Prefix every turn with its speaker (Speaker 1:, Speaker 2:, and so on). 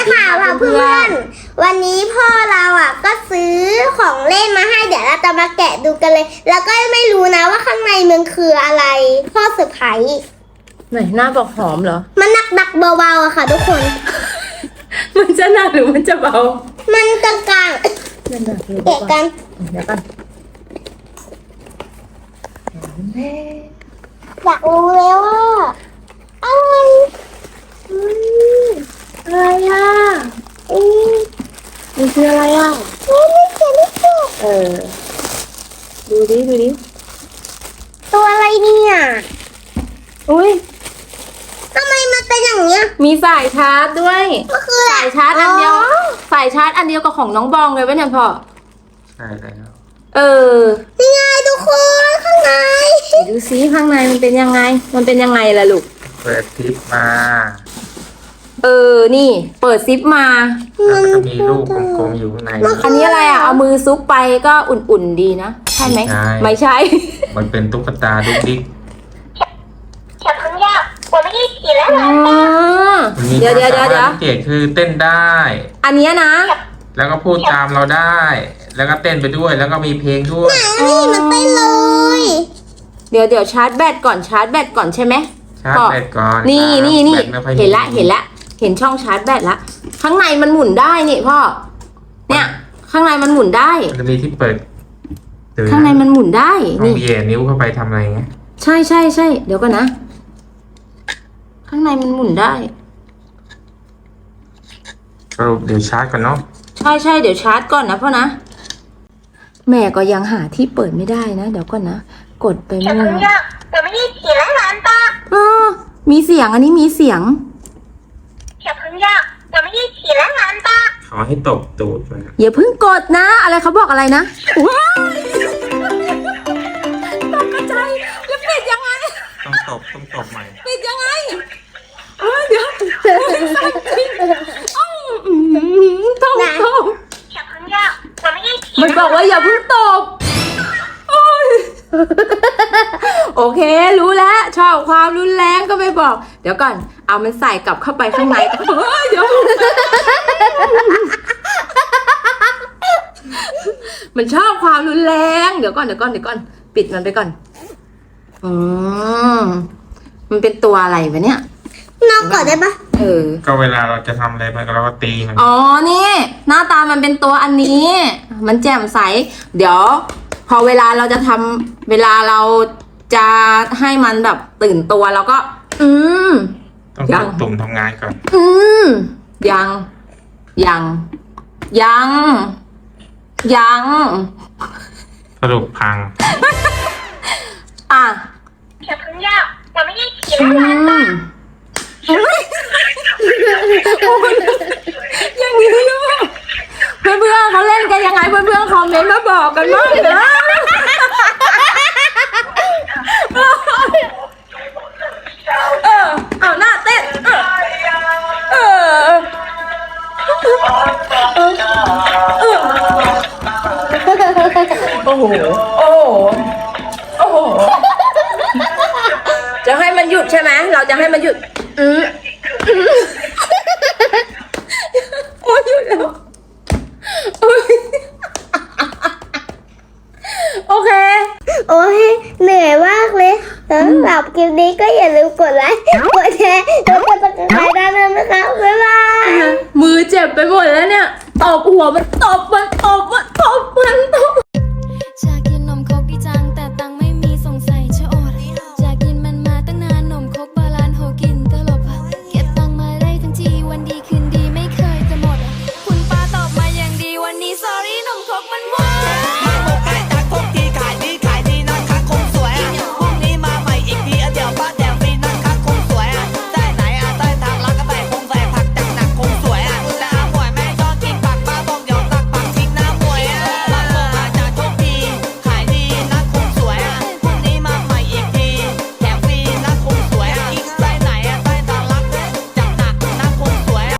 Speaker 1: ค่ะเพื่อนวันนี้พ่อเราก็ซื้อของเล่นมาให้เดี๋ยวเราจะมาแกะดูกันเลย แล้วก็ไม่รู้นะว่าข้างในมันคืออะไรพ่อเซอร์ไพรส์
Speaker 2: ไหนหน้าบอกหอมเหรอ
Speaker 1: มันหนักเบาๆอะค่ะทุกคน
Speaker 2: มันจะหนักหรือมันจะเบา
Speaker 1: มันกลางๆแกะกัน
Speaker 2: เดี๋ยวกัน
Speaker 1: อยากรู้แล้วว่าอะไร
Speaker 2: อะไรมันคืออะไร
Speaker 1: ไม่เจอ
Speaker 2: ดูดิ
Speaker 1: ตัวอะไรเนี่ย
Speaker 2: อุ้ย
Speaker 1: ทำไมมันเป็นอย่างเนี้ย
Speaker 2: มีสายชาร์จด้วย
Speaker 1: ก็คือ
Speaker 2: สายชาร์จอันเดียวสายชาร์จอันเดียวกับของน้องบองเลยป่ะเนี่ยพ่อ
Speaker 3: ใช่แล้ว
Speaker 1: นี่ไงทุกคนข้างใน
Speaker 2: ดูซิข้างในมันเป็นยังไงล่ะลูก
Speaker 3: เปิดซิปมา
Speaker 2: นี่เปิดซิปมา
Speaker 3: มันจะมีลูกกลมๆอยู่ข้างใน
Speaker 2: อันนี้อะไรเอามือซุกไปก็อุ่นๆดีนะใช่ไหมไม่ใช่
Speaker 3: มันเป็นตุ๊กตาดุ๊กดิ๊ก
Speaker 1: 小朋友我们一起来玩吧
Speaker 2: เดี๋ยว
Speaker 3: เด็กคือเต้นได้
Speaker 2: อันนี้นะ
Speaker 3: แล้วก็พูดตามเราได้ แล้วก็เต้นไปด้วยแล้วก็มีเพลงด้วย
Speaker 1: นี่มันเต้นเลย
Speaker 2: เดี๋ยวชาร์จแบตก่อนใช่ไหม
Speaker 3: ชาร์จแบตก่อน
Speaker 2: นี่เห็นละเห็นช่องชาร์จแบตละข้างในมันหมุนได้นี่พ่อเนี่ยข้างในมันหมุนได้
Speaker 3: มันจะมีที่เปิด
Speaker 2: ข้างในมันหมุนได้
Speaker 3: นี่แย่นิ้วเข้าไปทำอะไรเงี้ย
Speaker 2: ใช่เดี๋ยวก่อนนะข้างในมันหมุนได้
Speaker 3: สรุปเดี๋ยวชาร์จก่อนเนาะ
Speaker 2: ใช่เดี๋ยวชาร์จก่อนนะพ่อนะแม่ก็ยังหาที่เปิดไม่ได้นะเดี๋ยวก่อนนะกดไปมั่วมีเสียงอันนี้มีเสียง
Speaker 3: ขอให้ตกตูดไป
Speaker 2: อย่าเพิ่งกดนะอะไรเขาบอกอะไรนะว้ายตกใจแล้วปิดยังไง
Speaker 3: ต้องตบใหม่
Speaker 2: ปิดยังไงเดี๋ยวท่องมันบอกว่าอย่าเพิ่งตบโอเครู้แล้วชอบความรุนแรงก็ไม่บอกเดี๋ยวก่อนเอามันใส่กลับเข้าไปข้างในเดี๋ยวมันชอบความรุนแรงเดี๋ยวก่อนปิดมันไปก่อนมันเป็นตัวอะไรวะเนี่ย
Speaker 1: นอกก่อนได้ปะ
Speaker 3: ก็เวลาเราจะทำอะไรไปเราก็ตีมัน
Speaker 2: นี่หน้าตามันเป็นตัวอันนี้มันแจ่มใสเดี๋ยวพอเวลาเราจะทำเวลาเราจะให้มันแบบตื่นตัวเราก็
Speaker 3: ต้องกดตุ่มทำงานก่อน
Speaker 2: ยัง
Speaker 3: สรุปพัง
Speaker 1: 小朋友我们一起来玩吧
Speaker 2: อย่างนี้ลูกเพื่อนๆเขาเล่นกันยังไงเพื่อนๆคอมเมนต์มาบอกกันบ้างนะเอาหน้าเต้นโอ้โหจะให้มันหยุดใช่ไหมเราจะให้มันหยุดโอ้ยหยุดแล้วโอเค
Speaker 1: เหนื่อยมากเลยสำหรับคลิปนี้ก็อย่าลืมกดไลค์กดแชร์แล้วกดติดตามด้านนั้นนะคะบ๊ายบาย
Speaker 2: มือเจ็บไปหมดแล้วเนี่ยตบหัวมันตบ